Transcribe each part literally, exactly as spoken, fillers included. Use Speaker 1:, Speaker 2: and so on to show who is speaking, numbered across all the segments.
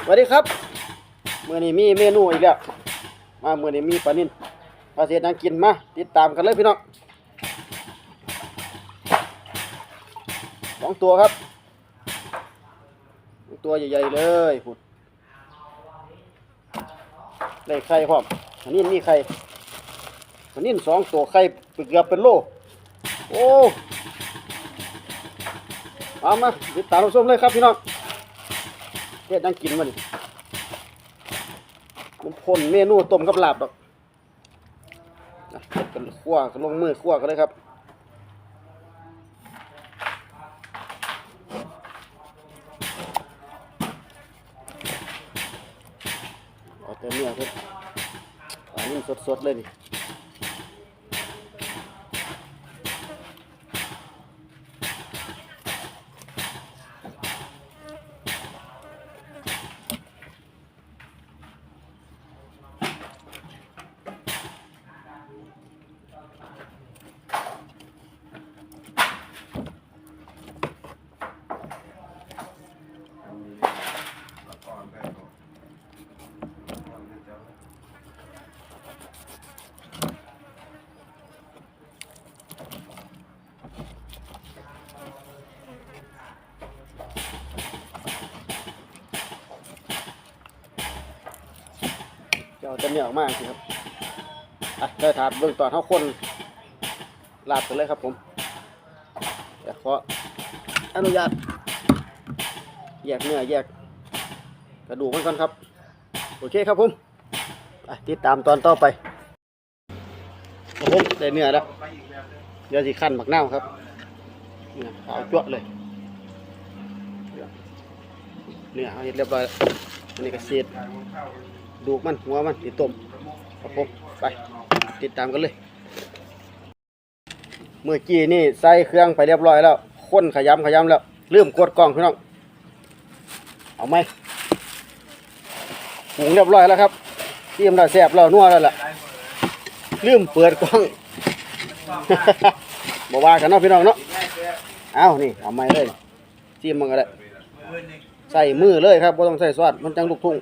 Speaker 1: สวัสดีครับเมื่อนี้มีเมนูอีกแล้วมาเมื่อนี้มีปลานิ่นปลาเศษนังกินมาติดตามกันเลยพี่น้องสองตัวครับตัวใหญ่ๆเลยพุดได้ไข่พร้อมปลานิ่นมีไข่ปลานิ่นสองตัวไข่เกือบเป็นโลโอ้เอามาติดตามรับชมเลยครับพี่น้องเฮ็ดนังกินมาดิมันพ่นเมนูต้มกับลาบดอกนะเฮ็ดกันคั่วกันลงมือคั่วกันเลยครับเอาแต่เนื้อครับอันนี้สดๆเลยดิจะเอาแต่เนื้อออกมาสิครับอ่ะได้ถาดเบื้องตอนเท่าคนลาบกันเลยครับผมเดี๋ยวขออนุญาตแยกเนื้อแยกกระดูกมันก่อนครับโอเคครับผมติดตามตอนต่อไปครับผมได้เนื้อแล้วเดี๋ยวสิขั้นหมักเน่าครับขาวจั่วเลยเนื้อเอาเรียบร้อยอันนี้ก็เศษดูมันหัวมันติดต้มครับผมไปติดตามกันเลยเมื่อกี้นี่ใส่เครื่องไปเรียบร้อยแล้วคนขยำขยำแล้วลืมกดกล้องพี่น้องเอาไหมปรุงเรียบร้อยแล้วครับเตรียมแล้วแซ่บแล้วนัวแล้วล่ะลืมเปิดกล้องบอกว่ากันเนาะพี่น้องเนาะเอานี่เอาไหมเลยเตรียมมันก็ได้ใส่มือเลยครับไม่ต้องใส่ซอสมันจังลูกทุ่ง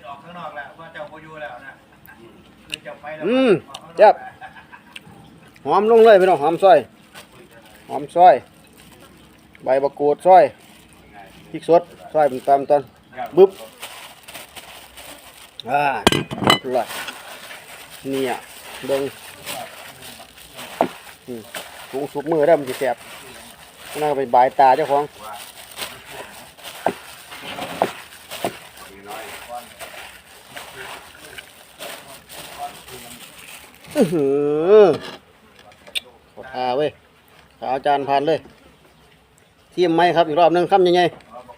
Speaker 1: อืมเจ็บหอมลงเลยพี่น้องหอมซอยหอมซอยใบมะกรูดซอยพริกสดซอยเป็นตามตอนบึ๊บอ่าเลยเนี่ยเบิ้งถุงสุกมือได้มันจะแสบน่าไปบายตาเจ้าของอือหือขอทาเว้ยขาอาจารย์ผ่านเลยเทียมไหมครับอีกรอบนึงคำยังไง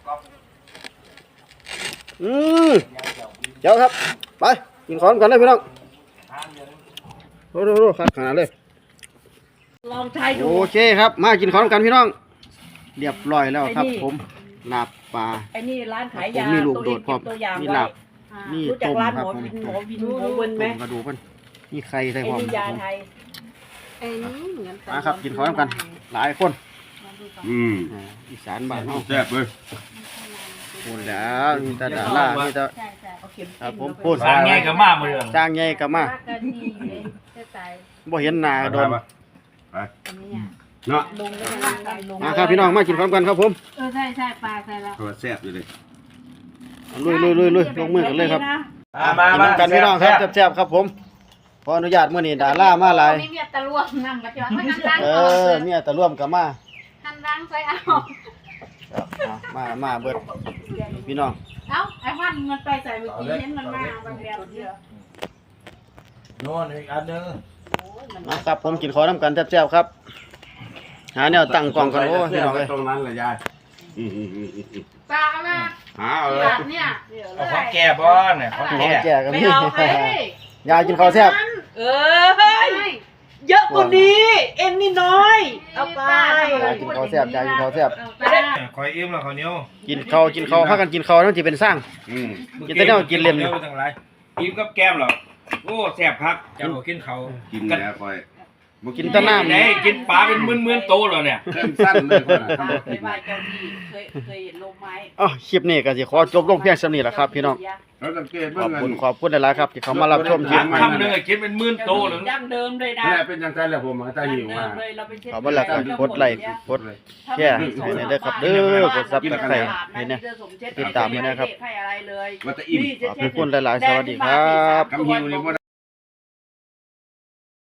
Speaker 1: อืมเดี๋ยวครับไปกินของกันเลยพี่น้องโอ้โหขัดขนาดเลย
Speaker 2: ลองใช้ดู
Speaker 1: โอเคครับมากินของกันพี่น้องเรียบร้อยแล้วครับผมลาบปลา
Speaker 2: ไอ้นี่ร้านขายยา
Speaker 1: มีลูกโดดพร้อม
Speaker 2: ตัวอย่าง
Speaker 1: มีลาบมีต้มครับผม
Speaker 2: หมอวินหมอวินไหม
Speaker 1: กระดูกมันมีไข่ใส่พร้อม
Speaker 2: ไอ้นี่ยาไทย
Speaker 3: ไอ้นี่เหมือนกัน
Speaker 1: มาครับกินของกันหลายคน
Speaker 4: อืม
Speaker 1: อีสานบ้านเฮา
Speaker 4: แซ่บเลย
Speaker 1: พูดแล้วมีแต่ดารามีแต่ครับผมพูด
Speaker 5: สร้างใหญ่กับมาเมือง
Speaker 1: สร้างใหญ่กับมาบ่เห็นหน้าโดน
Speaker 4: ไปเนาะ
Speaker 1: มาครับพี่น้องมากินพร้อมกันครับผม
Speaker 3: เออใช่ใช่ปลาใช่แล้ว
Speaker 4: ตัวแซ่บเลย
Speaker 1: ลุยลุยลุยลุยลงมือกันเลยครับกินน้ำกันพี่น้องครับแซ่บๆครับผมขออนุญาตมื้อนี้ดารามาหลาย
Speaker 3: มีเมียตะลวงนั่งมาจ้ะไม่นั่งล้าง
Speaker 1: เออเมียตะร่วมกับมา
Speaker 3: นั่งล้างใส่เอา
Speaker 1: มามาเบิดพี่น้อง
Speaker 3: เอ้าไอ้วันมันไปใส่เมื่อกี้เห็นมันมาบางแบบเยอะ
Speaker 5: โน่นอีกอันนึง
Speaker 1: มาครับผมกินขอน้ำกันแซ่บๆครับหาแนวตั้งกล่องกันโอ้พี่น้องเอ้ย
Speaker 4: ตรงนั้นแหละยาย
Speaker 3: ปลาแม่
Speaker 4: หาเอาเลย
Speaker 3: แบบเนี่ย
Speaker 5: เอาของแก่บ้อนเนี่ยของ
Speaker 1: ของ
Speaker 5: แก่
Speaker 1: แก่กัน
Speaker 3: ไม่
Speaker 1: นี่
Speaker 3: เอาใคร
Speaker 1: ยายกินข้าวแซ่บ
Speaker 2: เออเฮ้ยเยอะกว่านี้เอ็นนี่น้อยเอาไป
Speaker 1: ยายกินข้าวแซ่บยายกินข้าวแซ่บ
Speaker 5: คอยอิ่มแล้วข้าวเหนียว
Speaker 1: กินข้าวกินข้าวพากันกินข้าวนั่นสิเป็นสร้าง
Speaker 4: อืม
Speaker 1: กินแต่เนี่ยกินเล่ม
Speaker 5: เร็วจังไรอิ่มกับแก้มหรอโอ้แซ่บพักเจ้ากินเขา
Speaker 4: กินแล้วคอยบ่
Speaker 1: กินแต่น้ำ
Speaker 5: ไหนกินปลาเป็นหมื่นๆโตแล้วเนี่ย
Speaker 4: เริ่มสั้นเลยคนน่ะ
Speaker 3: เคยไหว้เจ้าที่เคยเคยเห็นลมไม้
Speaker 1: อ๋อคลิปนี้ก็สิขอจบลงเพียงเท่านี้แหละครับพี่น้อง
Speaker 4: เราสังเกต
Speaker 1: ข
Speaker 4: เบิ่
Speaker 1: อง บ
Speaker 4: เงิ
Speaker 1: คุณ
Speaker 4: น
Speaker 1: ขอบคุณหลายๆครับที่เขามารับชมคลิป
Speaker 5: คำหนึงอะกินเป็นหมื่นโตเลย
Speaker 3: ดั้งเดิมเลยนะ
Speaker 4: นี่เป็นจังได๋แหละผมตาหิวมา
Speaker 1: ขอบคุณหลายครับกดไลค์กดแชร์ให้หน่อยเด้อครับเด้อกดซับสไครต์ให้เนี่ยติดตามให้นะครับ
Speaker 3: ให้อะไรเลย
Speaker 4: ว่าจะอิ่ม
Speaker 1: ขอบคุณหลายๆสวัสดีครับ
Speaker 4: คำหิวนี่บ่